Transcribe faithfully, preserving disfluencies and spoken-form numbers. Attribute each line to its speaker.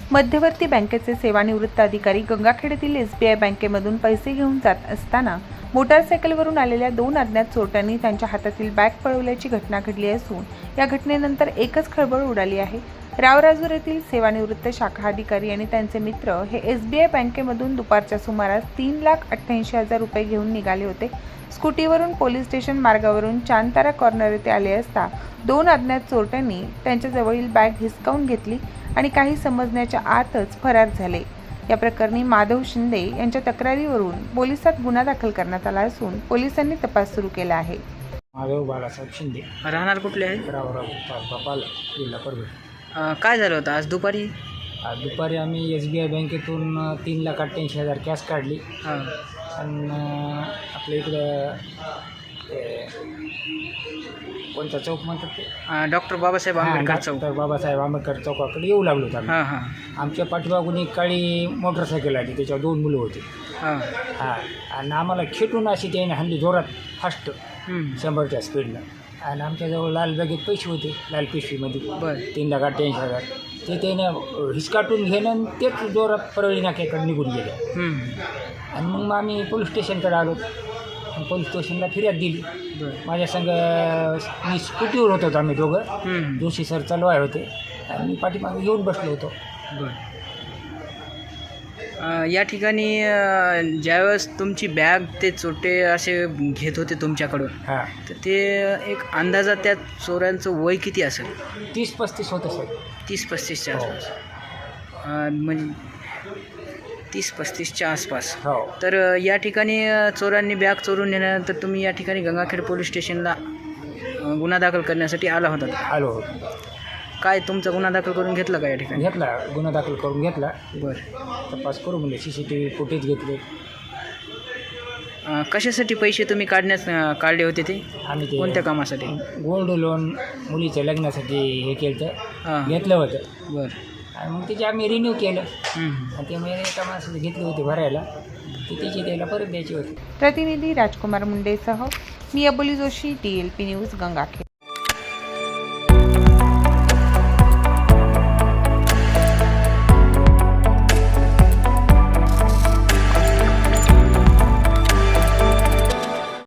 Speaker 1: मध्यवर्ती बँकेचे सेवानिवृत्त अधिकारी गंगाखेड एस बी आय बँकेमधून पैसे घेऊन जात असताना मोटारसायकलवरून आलेल्या दोन अज्ञात चोरट्यांनी त्यांच्या हातातील बॅग पळवल्याची घटना घडली असून या घटनेनंतर एकच खळबळ उडाली आहे। रावराजूर येथील सेवानिवृत्त शाखा अधिकारी आणि त्यांचे मित्र हे एस बी आय बँकेमधून दुपारच्या सुमारास तीन लाख अठ्ठ्याऐंशी हजार रुपये घेऊन निघाले होते। स्कूटीवरून पोलीस स्टेशन मार्गावरून चांतारा कॉर्नर येथे आले असता दोन अज्ञात चोरट्यांनी त्यांच्याजवळील बॅग हिसकावून घेतली आणि काही समजण्याच्या आतच फरार झाले। या प्रकरणी माधव शिंदे यांच्या तक्रारीवरून पोलिसात गुन्हा दाखल करण्यात आला असून पोलिसांनी तपास सुरू केला आहे।
Speaker 2: माधव बाळासाहेब शिंदे,
Speaker 3: राहणार कुठले आहे?
Speaker 2: रावराव बापाल, जिल्हा परभणी।
Speaker 3: अं, काय झालं होतं आज दुपारी?
Speaker 2: आज दुपारी आम्ही एस बी आय बँकेतून तीन लाख अठ्ठ्याऐंशी हजार कॅश काढली
Speaker 3: हां
Speaker 2: आणि आपल्या इकडं ते कोणता चौक म्हणतात ते
Speaker 3: डॉक्टर बाबासाहेब आंबेडकर चौक।
Speaker 2: डॉक्टर बाबासाहेब आंबेडकर चौकाकडे येऊ लागलो होतो आम्ही।
Speaker 3: हां हां
Speaker 2: आमच्या पाठीमागून एक काळी मोटरसायकल आली, त्याच्यावर दोन मुलं होती।
Speaker 3: हां
Speaker 2: हां आणि आम्हाला खेटून अशी त्याने हल्ली जोरात फास्ट
Speaker 3: हम्म.
Speaker 2: शंभरच्या स्पीडनं, आणि आमच्याजवळ लाल बॅगेत पैसे होते, लाल पिशवीमध्ये
Speaker 3: बरं
Speaker 2: तीन लाख अठ्ठ्याऐंशी हजार ते त्याने हिसकाटून घेणं आणि तेच जोरात परळी नाक्याकडे निघून गेले।
Speaker 3: हम्म.
Speaker 2: आणि मग मग आम्ही पोलीस स्टेशनकडे आलो आणि पोलीस स्टेशनला फिर्याद दिली।
Speaker 3: बरं
Speaker 2: माझ्या संग मी स्कूटीवर होतो, आम्ही दोघं
Speaker 3: हम्म.
Speaker 2: जोशी सर चालवाय होते आणि मी पाठीमागे येऊन बसलो होतो।
Speaker 3: बरं अं, या ठिकाणी अं, ज्यावेळेस तुमची बॅग ते चोरटे असे घेत होते तुमच्याकडून,
Speaker 2: हां
Speaker 3: तर ते एक अंदाजा त्या चोरांचं वय किती असेल?
Speaker 2: तीस पस्तीस होतं सर।
Speaker 3: तीस पस्तीसच्या
Speaker 2: हो.
Speaker 3: आसपास अं, म्हणजे तीस पस्तीसच्या आसपास।
Speaker 2: हो
Speaker 3: तर अ, या ठिकाणी अ, चोरांनी बॅग चोरून नेल्यानंतर तुम्ही या ठिकाणी गंगाखेड पोलीस स्टेशनला अ, गुन्हा दाखल करण्यासाठी आला होता।
Speaker 2: आलो होतो,
Speaker 3: काय तुमचा गुन्हा दाखल करून घेतला का या ठिकाणी?
Speaker 2: घेतला गुन्हा दाखल करून घेतला।
Speaker 3: बरं
Speaker 2: तपास करू म्हणजे C C T V footage घेतले।
Speaker 3: अ, कशासाठी पैसे तुम्ही काढण्यास अ, काढले होते ते?
Speaker 2: आम्ही ते
Speaker 3: कोणत्या कामासाठी?
Speaker 2: गोल्ड लोन मुलीच्या लग्नासाठी हे केलं
Speaker 3: हां
Speaker 2: घेतलं होतं
Speaker 3: बरं
Speaker 2: आणि मग त्याचे आम्ही रिन्यू केलं
Speaker 3: हम्म.
Speaker 2: आणि ते म्हणजे एका माणसाला घेतले होते भरायला, ते त्याची त्याला परत द्यायची होती।
Speaker 1: प्रतिनिधी राजकुमार मुंडेसह मी Aboli Joshi, D L P news, Gangakhed.